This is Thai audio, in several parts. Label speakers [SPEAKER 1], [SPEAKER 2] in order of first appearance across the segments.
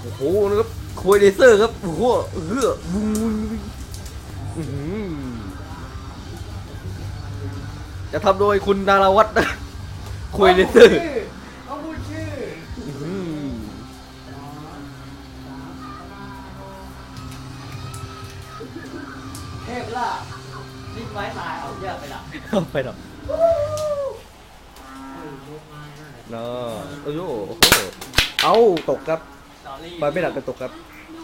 [SPEAKER 1] โอ้โหนะครับคุยเลเซอร์ครับโอ้โหวุ้งจะทำโดยคุณดาราวัฒน์นะคุยเลเซอร์
[SPEAKER 2] ต้องพูดชื่อเทพล่ะดิ้นไม้ตายเอาเยอะไปละ
[SPEAKER 1] เอาไปหรอเนาะโอ้โหเอาตกครับไปไม่ดับแต่ตกครับ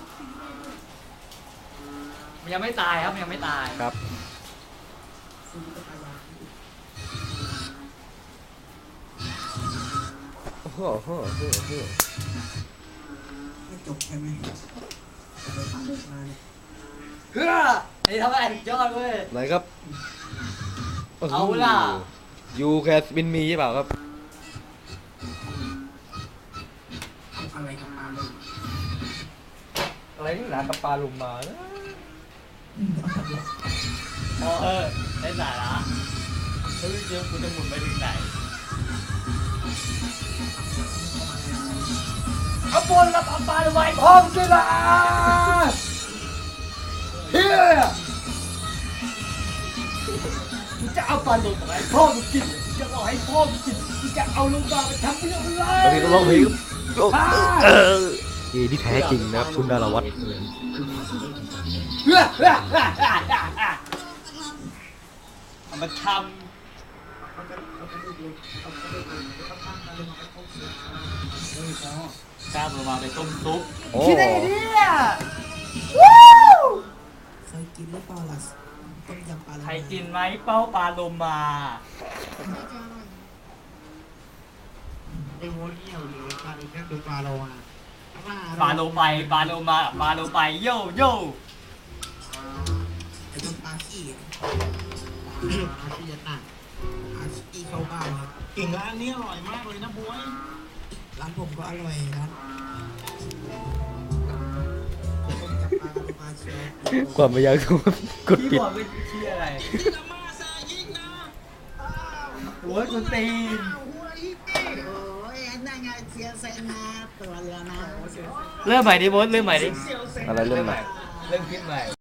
[SPEAKER 2] มันยังไม่ตายครับมันยังไม่ตาย
[SPEAKER 1] ครับโอ้โห
[SPEAKER 3] ไม่จบใช่ไหม
[SPEAKER 2] เฮ้อไอ้ทำอะไรยอดเว้ย
[SPEAKER 1] ไหนครับ
[SPEAKER 2] เอาล่ะ
[SPEAKER 1] ยูแคสบินมีใช่เปล่าครับ
[SPEAKER 3] อะไรกับปลาเลย
[SPEAKER 1] อะไรนี่หนากับปลาลุมมานะ
[SPEAKER 2] ได้สาระเฮ้ยเดี๋ยวกูจะหมุนไปถึงไหนเอาบนรับเอาปลาไว้พร้อมกันละเฮ้ยกูจะเอาปลาลงมาให้พ่อมึงกินจะเอาให้พ่อมึงกินกูจะเอาลงมาไปทำเรื่องอะไร
[SPEAKER 1] บางทีก็ร้องเพลงที่แท้จริงนะครับคุณดาราวัฒน์
[SPEAKER 2] เอามาทำข้ามลงมาไปต้มซุปคิดได้ไงเนี่ย
[SPEAKER 3] เคยกินหรือเปล่าล่ะต้มยำปลา
[SPEAKER 2] ใครกินไหมเป้าปลาโลมา
[SPEAKER 3] ไอ้โว้ยเหี่ยวหรือปลาอีกแค่คือปลาโลมา
[SPEAKER 2] ปลาโลไปปลาโลมาปลาโลไปโย่โย่
[SPEAKER 3] ไอ้ต้นปลาขี้ปลาขี้ยัดหนักปลาขี้เข้าบ้านครับ
[SPEAKER 4] เก่งร้านนี้อร่อยมากเลยนะบวย
[SPEAKER 3] ร้านผมก็อร่อยครับปลาเชียว
[SPEAKER 1] ความไม่อยากรู้กด
[SPEAKER 2] พี่
[SPEAKER 1] ปิด
[SPEAKER 2] บอกเป็นชื่ออะไรหัวกุนตีนเริ่มใหม่ดิโบ๊ทเริ่มใหม่ดิ
[SPEAKER 1] อะไรเรื่องใหม่
[SPEAKER 2] เริ่มคิดใหม่